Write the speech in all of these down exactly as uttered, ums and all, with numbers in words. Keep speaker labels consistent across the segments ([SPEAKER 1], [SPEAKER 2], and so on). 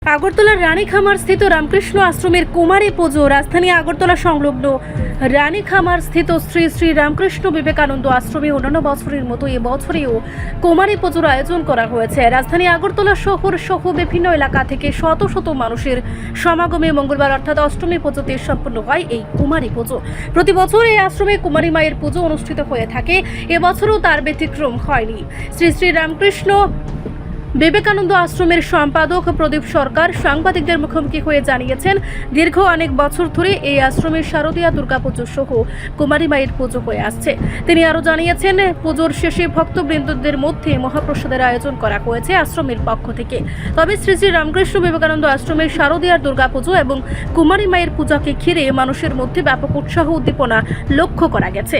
[SPEAKER 1] আগরতলার রানীখামার স্থিত রামকৃষ্ণ আশ্রমের কুমারী পুজো। রাজধানী আগরতলা সংলগ্ন রানীখামার স্থিত শ্রী শ্রী রামকৃষ্ণ বিবেকানন্দ আশ্রমে অন্যান্য বছরের মতো এবছরেও কুমারী পুজোর আয়োজন করা হয়েছে। রাজধানী আগরতলা শহর সহ বিভিন্ন এলাকা থেকে শত শত মানুষের সমাগমে মঙ্গলবার অর্থাৎ অষ্টমী পুজোতে সম্পন্ন হয় এই কুমারী পুজো। প্রতি বছর এই আশ্রমে কুমারী মায়ের পুজো অনুষ্ঠিত হয়ে থাকে, এবছরও তার ব্যতিক্রম হয়নি। শ্রী শ্রী রামকৃষ্ণ বিবেকানন্দ আশ্রমের সম্পাদক প্রদীপ সরকার সাংবাদিকদের মুখোমুখি হয়ে জানিয়েছেন, দীর্ঘ অনেক বছর ধরে এই আশ্রমের শারদীয়া দুর্গাপুজো সহ কুমারী মায়ের পুজো হয়ে আসছে। তিনি আরও জানিয়েছেন, পুজোর শেষে ভক্তবৃন্দদের মধ্যে মহাপ্রসাদের আয়োজন করা হয়েছে আশ্রমের পক্ষ থেকে। তবে শ্রী শ্রী রামকৃষ্ণ বিবেকানন্দ আশ্রমের শারদীয়ার দুর্গাপুজো এবং কুমারী মায়ের পূজাকে ঘিরে মানুষের মধ্যে ব্যাপক উৎসাহ উদ্দীপনা লক্ষ্য করা গেছে।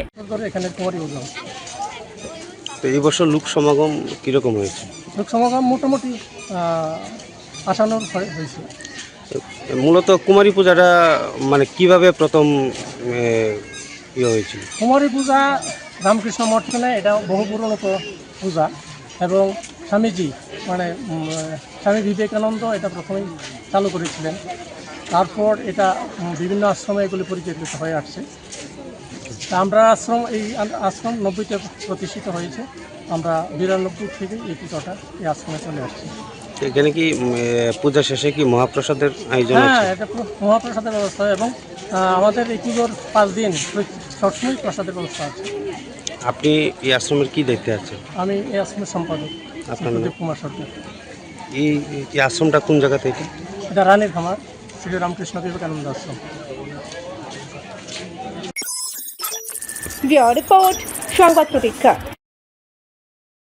[SPEAKER 2] তো এই বছর লোক সমাগম কীরকম হয়েছে?
[SPEAKER 3] লোক সমাগম মোটামুটি আসানোর হয়েছে।
[SPEAKER 2] মূলত কুমারী পূজাটা মানে কিভাবে প্রথম ইয়ে হয়েছিল?
[SPEAKER 3] কুমারী পূজা রামকৃষ্ণ মঠখানে এটা বহু পুরনো পূজা এবং স্বামীজি মানে স্বামী বিবেকানন্দ এটা প্রথমেই চালু করেছিলেন। তারপর এটা বিভিন্ন আশ্রমে এগুলি পরিচালিত হয়ে আসছে। আমরা আশ্রম এই আশ্রম নব্বইতে প্রতিষ্ঠিত হয়েছে। আমরা বিরানব্বই থেকে এই পুজোটা এই আশ্রমে চলে আসছি।
[SPEAKER 2] এখানে কি পূজা শেষে কি মহাপ্রসাদের আয়োজন?
[SPEAKER 3] হ্যাঁ, এটা মহাপ্রসাদের ব্যবস্থা এবং আমাদের এই পুজোর পাঁচ দিন সবসময় প্রসাদের ব্যবস্থা আছে।
[SPEAKER 2] আপনি এই আশ্রমের কি দেখতে আছেন?
[SPEAKER 3] আমি এই আশ্রমের সম্পাদক আপনার প্রদীপ কুমার সরকার।
[SPEAKER 2] এই আশ্রমটা কোন জায়গাতে? এটা
[SPEAKER 3] এটা রানীর খামার শ্রী রামকৃষ্ণ বিবেকানন্দ আশ্রম।
[SPEAKER 1] রিপোর্ট সংবাদ প্রতীক্ষা।